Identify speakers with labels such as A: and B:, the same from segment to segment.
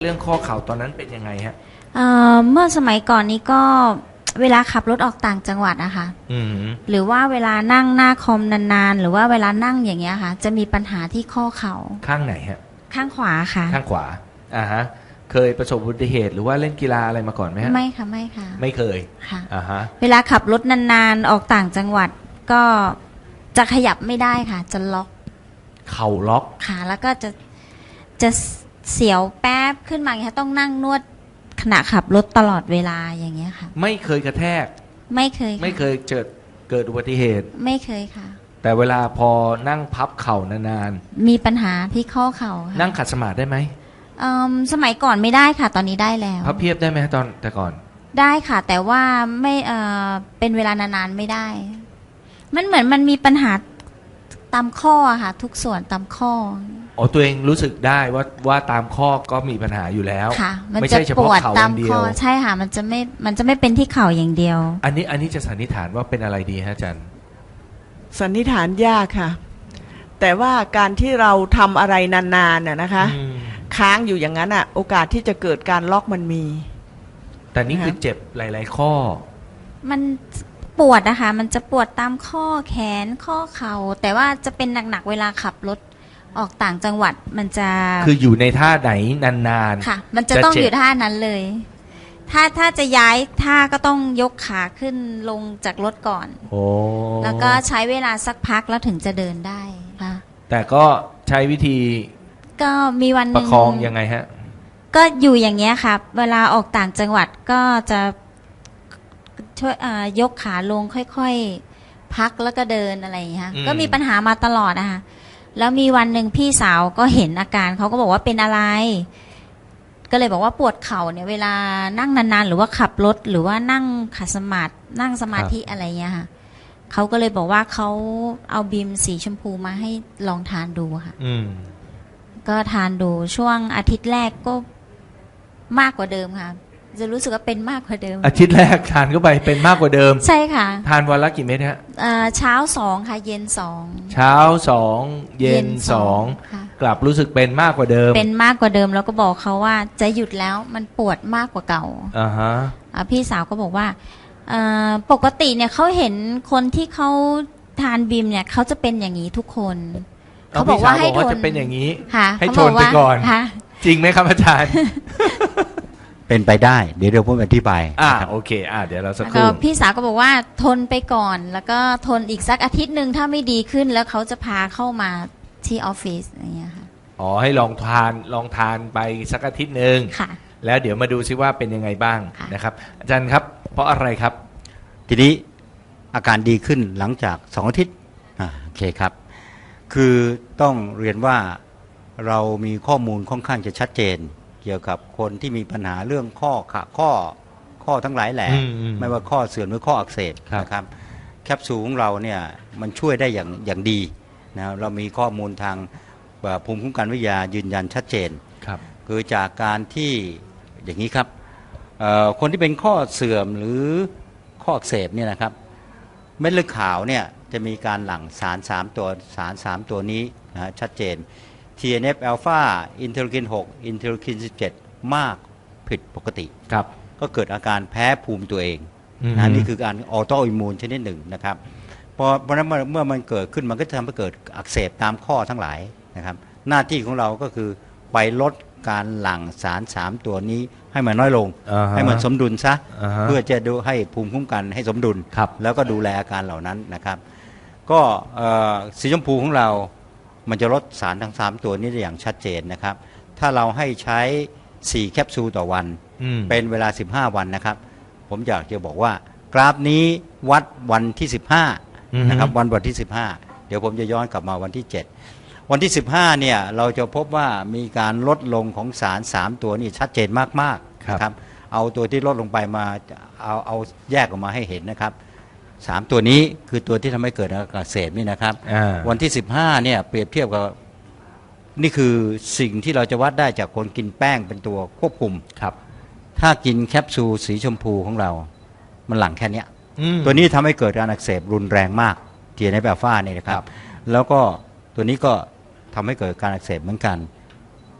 A: เรื่องข้อเข่าตอนนั้นเป็นยังไงฮะ
B: เมื่อสมัยก่อนนี้ก็เวลาขับรถออกต่างจังหวัดอะค่ะหรือว่าเวลานั่งหน้าคอมนานๆหรือว่าเวลานั่งอย่างเงี้ยค่ะจะมีปัญหาที่ข้อเข่า
A: ข้างไหนฮะ
B: ข้างขวาค่ะ
A: ข้างขวาฮะเคยประสบอุบัติเหตุหรือว่าเล่นกีฬาอะไรมาก่อนไหมฮะ
B: ไม่ค่ะไม่ค่ะ
A: ไม่เคย
B: ค่ะ
A: ฮะ
B: เวลาขับรถนานๆออกต่างจังหวัดก็จะขยับไม่ได้ค่ะจะล็อก
A: เข่าล็อก
B: ค่ะแล้วก็จะเสียวแป๊บขึ้นมาอย่างเงี้ยต้องนั่งนวดขณะขับรถตลอดเวลาอย่างเงี้ยค่ะ
A: ไม่เคยกระแทก
B: ไม่เคย
A: ไม่เคยเกิดอุบัติเหตุ
B: ไม่เคยค่ะ
A: แต่เวลาพอนั่งพับเข่านาน
B: ๆมีปัญหาที่ข้อเข่าค่ะ
A: นั่งขัดสมาธิได้ไหม
B: สมัยก่อนไม่ได้ค่ะตอนนี้ได้แล้ว
A: พับเพียบได้ไหมตอนแต่ก่อน
B: ได้ค่ะแต่ว่าไม่เป็นเวลานานๆไม่ได้มันเหมือนมันมีปัญหาตามข้อค่ะทุกส่วนตามข้อ
A: ตัวเองรู้สึกได้ว่าตามข้อก็มีปัญหาอยู่แล้ว
B: ค่ะมันจะปวดตามข้อใช่ค่ะมันจะไม่เป็นที่เข่าอย่างเดียว
A: อันนี้จะสันนิษฐานว่าเป็นอะไรดีฮะอาจารย์
C: สันนิษฐานยากค่ะแต่ว่าการที่เราทำอะไรนานๆน่ะนะคะค้างอยู่อย่างนั้นอ่ะโอกาสที่จะเกิดการล็อกมันมี
A: แต่นี่คือเจ็บหลายๆข้อ
B: มันปวดนะคะมันจะปวดตามข้อแขนข้อเข่าแต่ว่าจะเป็นหนักๆเวลาขับรถออกต่างจังหวัดมันจะ
A: คืออยู่ในท่าไหนนาน
B: ๆค่ะมันจะต้องอยู่ท่านั้นเลยถ้าจะย้ายท่าก็ต้องยกขาขึ้นลงจากรถก่อนแล้วก็ใช้เวลาสักพักแล้วถึงจะเดินได้ค่ะ
A: แต่ก็ใช้วิธี
B: ก็มีวันนึง
A: ประคองยังไงฮะ
B: ก็อยู่อย่างเงี้ยค่ะเวลาออกต่างจังหวัดก็จะช่วยยกขาลงค่อยๆพักแล้วก็เดินอะไรอย่างเงี้ยก็มีปัญหามาตลอดนะคะแล้วมีวันหนึ่งพี่สาวก็เห็นอาการเขาก็บอกว่าเป็นอะไรก็เลยบอกว่าปวดเข่าเนี่ยเวลานั่งนานๆหรือว่าขับรถหรือว่านั่งขัดสมาธินั่งสมาธิอะไรเงี้ยค่ะเขาก็เลยบอกว่าเขาเอาบีมสีชมพูมาให้ลองทานดูค่ะก็ทานดูช่วงอาทิตย์แรกก็มากกว่าเดิมค่ะจะรู้สึกว่าเป็นมากกว่าเดิม
A: อาทิตย์แรกทานเข้าไปเป็นมากกว่าเดิม
B: ใช่ค่ะ
A: ทานวันละกี่เม็ดฮะ
B: เช้า2ค่ะเย็น2
A: เช้า2เย็น2กลับรู้สึกเป็นมากกว่าเดิม
B: เป็นมากกว่าเดิมแล้วก็บอกเขาว่าจะหยุดแล้วมันปวดมากกว่าเก่าพี่สาวก็บอกว่าปกติเนี่ยเขาเห็นคนที่เขาทานบีมเนี่ยเขาจะเป็นอย่างนี้ทุกคน
A: เขาบอกว่าให้ทนจะเป็นอย่างนี้ให้ทนไปก่อนจริงไหมครับอาจารย์
D: เป็นไปได้เดี๋ยวผมอธิบาย
A: โอเคเดี๋ยวเราสักครู่
B: พี่สาวก็บอกว่าทนไปก่อนแล้วก็ทนอีกสักอาทิตย์นึงถ้าไม่ดีขึ้นแล้วเขาจะพาเข้ามาที่ออฟฟิศอย่างเงี้ยค่ะ
A: ให้ลองทานไปสักอาทิตย์นึงแล้วเดี๋ยวมาดูซิว่าเป็นยังไงบ้างนะครับอาจารย์ครับเพราะอะไรครับ
D: ทีนี้อาการดีขึ้นหลังจาก2อาทิตย์โอเคครับคือต้องเรียนว่าเรามีข้อมูลค่อนข้างจะชัดเจนเกี่ยวกับคนที่มีปัญหาเรื่องข้อทั้งหลายแหล่ไม่ว่าข้อเสื่อมหรือข้ออักเสบนะครับแคปซูลของเราเนี่ยมันช่วยได้อย่างดีนะเรามีข้อมูลทางภูมิคุ้มกันวิทยายืนยันชัดเจนคือจากการที่อย่างนี้ครับคนที่เป็นข้อเสื่อมหรือข้ออักเสบเนี่ยนะครับเม็ดเลือดขาวเนี่ยจะมีการหลั่งสาร3ตัวนี้นะชัดเจนTNF อ l p h a อินเทอร์คิน6อินเทอร์คิน17มากผิดปกติ
A: ครับ
D: ก็เกิดอาการแพ้ภูมิตัวเองนะนี่คือการออโตอิมมูนชนิดหนึ่งนะครับเพราะนั้นเมื่อมันเกิดขึ้นมันก็จะทำให้เกิดอักเสบตามข้อทั้งหลายนะครับหน้าที่ของเราก็คือไปลดการหลั่งสาร3ตัวนี้ให้มันน้อยลงให้มันสมดุลซะเพื่อจะดูให้ภูมิคุ้มกันให้สมดุลแล้วก็ดูแลอาการเหล่านั้นนะครับก็สีชมพูของเรามันจะลดสารทั้ง3ตัวนี้ได้อย่างชัดเจนนะครับถ้าเราให้ใช้4แคปซูลต่อวันเป็นเวลา15วันนะครับผมอยากจะบอกว่ากราฟนี้วัดวันที่15นะครับวันที่15เดี๋ยวผมจะย้อนกลับมาวันที่7วันที่15เนี่ยเราจะพบว่ามีการลดลงของสาร3ตัวนี้ชัดเจนมากๆนะครับเอาตัวที่ลดลงไปมาเอาแยกออกมาให้เห็นนะครับ3ตัวนี้คือตัวที่ทำให้เกิดอาการอักเสบนี่นะครับวันที่15เนี่ยเปรียบเทียบกับนี่คือสิ่งที่เราจะวัดได้จากคนกินแป้งเป็นตัวควบคุม
A: ครับ
D: ถ้ากินแคปซูลสีชมพูของเรามันหลั่งแค่นี้ตัวนี้ทำให้เกิดการอักเสบรุนแรงมากTNF อ l p h a เนี่ยนะครับแล้วก็ตัวนี้ก็ทำให้เกิดการอักเสบเหมือนกัน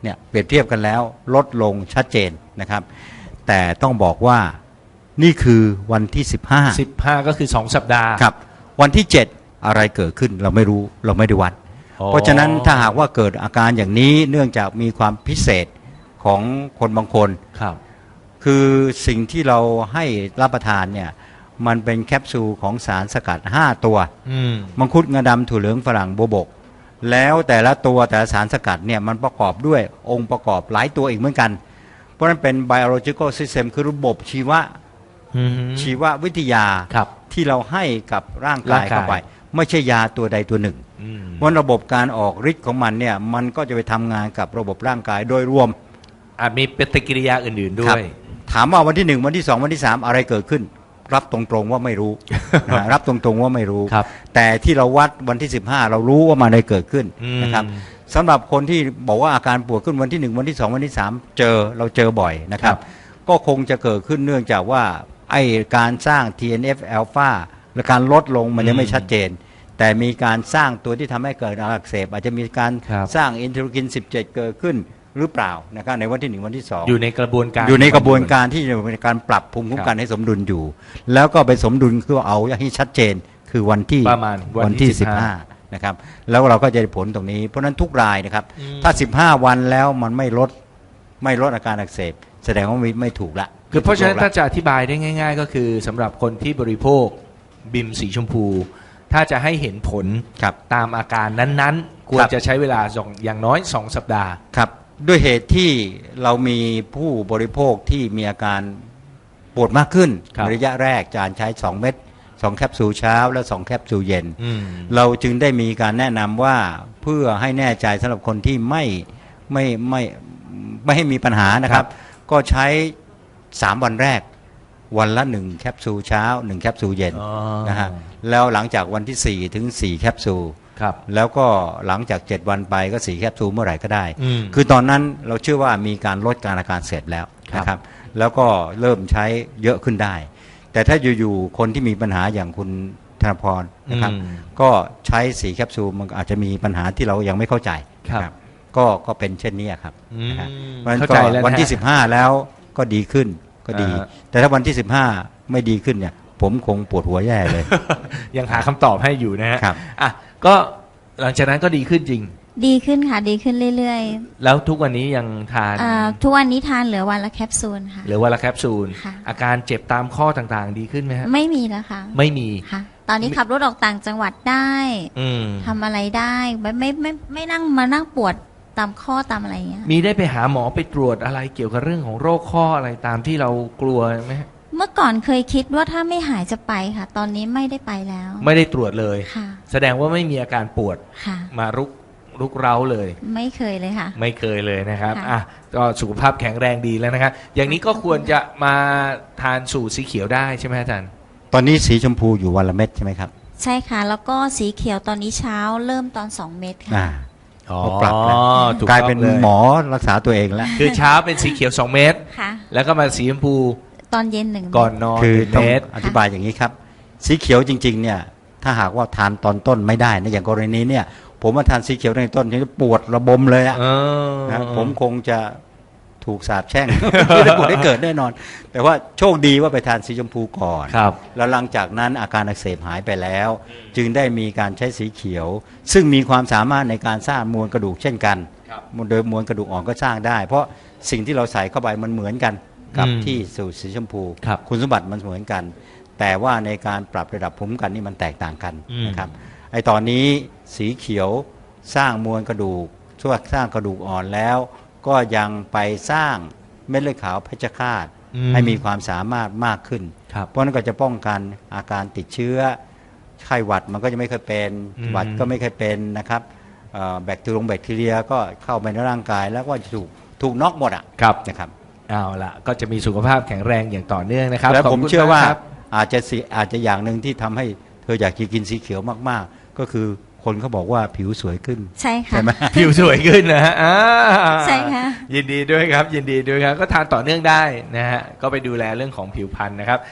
D: เนี่ยเปรียบเทียบกันแล้วลดลงชัดเจนนะครับแต่ต้องบอกว่านี่คือวันที่15
A: ก็คือ2 สัปดาห์
D: ครับวันที่7อะไรเกิดขึ้นเราไม่รู้เราไม่ได้วัดเพราะฉะนั้นถ้าหากว่าเกิดอาการอย่างนี้เนื่องจากมีความพิเศษของคนบางคน
A: ครับ
D: คือสิ่งที่เราให้รับประทานเนี่ยมันเป็นแคปซูลของสารสกัด5ตัวมังคุดงาดำถั่วเหลืองฝรั่งโบวบกแล้วแต่ละตัวแต่ละสารสกัดเนี่ยมันประกอบด้วยองค์ประกอบหลายตัวอีกเหมือนกันเพราะนั้นเป็น biological system คือระบบชีววิทยาที่เราให้กับร่างกายเข้าไปไม่ใช่ยาตัวใดตัวหนึ่งเพราะระบบการออกฤทธิ์ของมันเนี่ยมันก็จะไปทำงานกับระบบร่างกายโดยรวม
A: อาจมีปฏิกิริยาอื่นๆด้วย
D: ถามว่าวันที่1วันที่2วันที่3อะไรเกิดขึ้นรับตรงๆว่าไม่รู้ รับตรงๆว่าไม่รู้แต่ที่เราวัดวันที่15เรารู้ว่ามันได้เกิดขึ้นนะครับสำหรับคนที่บอกว่าอาการปวดขึ้นวันที่1วันที่2วันที่3เราเจอบ่อยนะครับก็คงจะเกิดขึ้นเนื่องจากว่าไอการสร้าง TNF อ l p h a และการลดลงมันยังไม่ชัดเจนแต่มีการสร้างตัวที่ทำให้เกิดอักเสบอาจจะมีการสร้างอินเทอร์ลูคิน17เกิดขึ้นหรือเปล่านะครับในวันที่1วันที่2
A: อยู่ในกระบวนการ
D: ที่ในการปรับภูมิคุ้มกันให้สมดุลอยู่แล้วก็ไปสมดุลคือเอาให้ชัดเจนคือวันที่
A: ประมาณวันที่
D: 15นะครับแล้วเราก็จะได้ผลตรงนี้เพราะนั้นทุกรายนะครับถ้า15วันแล้วมันไม่ลดอาการอักเสบแสดงว่าไม่ถูกละ
A: คือเพราะฉะนั้นถ้าจะอธิบายได้ง่ายๆก็คือสำหรับคนที่บริโภคบิมสีชมพูถ้าจะให้เห็นผลตามอาการนั้นๆควรจะใช้เวลาอย่างน้อย2 สัปดาห์
D: ครับด้วยเหตุที่เรามีผู้บริโภคที่มีอาการปวดมากขึ้นระยะแรกจานใช้2เม็ด2แคปซูลเช้าและ2แคปซูลเย็นเราจึงได้มีการแนะนำว่าเพื่อให้แน่ใจสำหรับคนที่ไม่ให้มีปัญหานะครับก็ใช้3วันแรกวันละ1แคปซูลเช้า1แคปซูลเย็นนะฮะแล้วหลังจากวันที่4ถึง4แคปซูลแล้วก็หลังจาก7วันไปก็4แคปซูลเมื่อไหร่ก็ได้คือตอนนั้นเราเชื่อว่ามีการลดการอาการเสร็จแล้วนะครับแล้วก็เริ่มใช้เยอะขึ้นได้แต่ถ้าอยู่ๆคนที่มีปัญหาอย่างคุณธนพรนะครับก็ใช้4แคปซูลมันอาจจะมีปัญหาที่เรายังไม่เข้าใจครับก็เป็นเช่นนี้ครับเข้าใจแล้ววันที่15แล้วก็ดีขึ้นก็ดีแต่ถ้าวันที่15ไม่ดีขึ้นเนี่ยผมคงปวดหัวแย่เลย
A: ยังหาคำตอบให้อยู่นะฮะอ่ะก็หลังจากนั้นก็ดีขึ้นจริง
B: ดีขึ้นค่ะดีขึ้นเรื่อย
A: ๆแล้วทุกวันนี้ยังทาน
B: ทุกวันนี้ทานเหลือวันละแคปซูลค่ะ
A: เหลือวันละแคปซูลอาการเจ็บตามข้อต่างๆดีขึ้นไหมฮะ
B: ไม่มีแล้วค่ะ
A: ไม่มี
B: ค่ะตอนนี้ขับรถออกต่างจังหวัดได้ทำอะไรได้ไม่นั่งมานั่งปวดตามข้อตามอะไรเงี้ย
A: มีได้ไปหาหมอไปตรวจอะไรเกี่ยวกับเรื่องของโรคข้ออะไรตามที่เรากลัวไหม
B: เมื่อก่อนเคยคิดว่าถ้าไม่หายจะไปค่ะตอนนี้ไม่ได้ไปแล้ว
A: ไม่ได้ตรวจเลยแสดงว่าไม่มีอาการปวดมารุกเร้าเลย
B: ไม่เคยเลยค่ะ
A: ไม่เคยเลยนะครับอ่ะก็สุขภาพแข็งแรงดีแล้วนะครับอย่างนี้ก็ควรจะมาทานสูตรสีเขียวได้ใช่ไหมอาจารย์
D: ตอนนี้สีชมพูอยู่วันละเม็ดใช่ไหมครับ
B: ใช่ค่ะแล้วก็สีเขียวตอนนี้เช้าเริ่มตอน2 เม็ดค่ะ
D: ปรับแล้วกลายเป็นหมอรักษาตัวเองแล้ว
A: คือเช้าเป็นสีเขียว2 เม็ดแล้วก็มาสีชมพู
B: ตอนเย็น1
A: ก่อนนอน
D: คือต้องอธิบายอย่างนี้ครับสีเขียวจริงๆเนี่ยถ้าหากว่าทานตอนต้นไม่ได้นะอย่างกรณีเนี่ยผมมาทานสีเขียวในต้นจะปวดระบมเลยอ่ะผมคงจะถูกสาปแช่งไม่ได้ปวดได้เกิดแน่นอนแต่ว่าโชคดีว่าไปทานสีชมพูก่อนแล้วหลังจากนั้นอาการอักเสบหายไปแล้วจึงได้มีการใช้สีเขียวซึ่งมีความสามารถในการสร้างมวลกระดูกเช่นกันโดยมวลกระดูกอ่อนก็สร้างได้เพราะสิ่งที่เราใส่เข้าไปมันเหมือนกันกับที่สูตรสีชมพูคุณสมบัติมันเหมือนกันแต่ว่าในการปรับระดับภูมิคุ้มกันนี่มันแตกต่างกันนะครับไอตอนนี้สีเขียวสร้างมวลกระดูกช่วยสร้างกระดูกอ่อนแล้วก็ยังไปสร้างเม็ดเลือดขาวเพชฌฆาตให้มีความสามารถมากขึ้นเพราะนั้นก็จะป้องกันอาการติดเชื้อไข้หวัดมันก็จะไม่เคยเป็นหวัดก็ไม่เคยเป็นนะครับแบคทีเรียก็เข้าไปในร่างกายแล้วก็ถูกน็อกหมดอ่ะนะครับ
A: เอาละก็จะมีสุขภาพแข็งแรงอย่างต่อเนื่องนะครับ
D: แล้วผมเชื่อว่าอาจจะอย่างหนึ่งที่ทำให้เธออยากกินสีเขียวมากๆก็คือคนเขาบอกว่าผิวสวยขึ้น
B: ใช่ค่ะ
A: ใช่ไหมผิวสวยขึ้นนะฮะ
B: ใช่ค่ะ
A: ยินดีด้วยครับยินดีด้วยครับก็ทานต่อเนื่องได้นะฮะก็ไปดูแลเรื่องของผิวพรรณนะครับ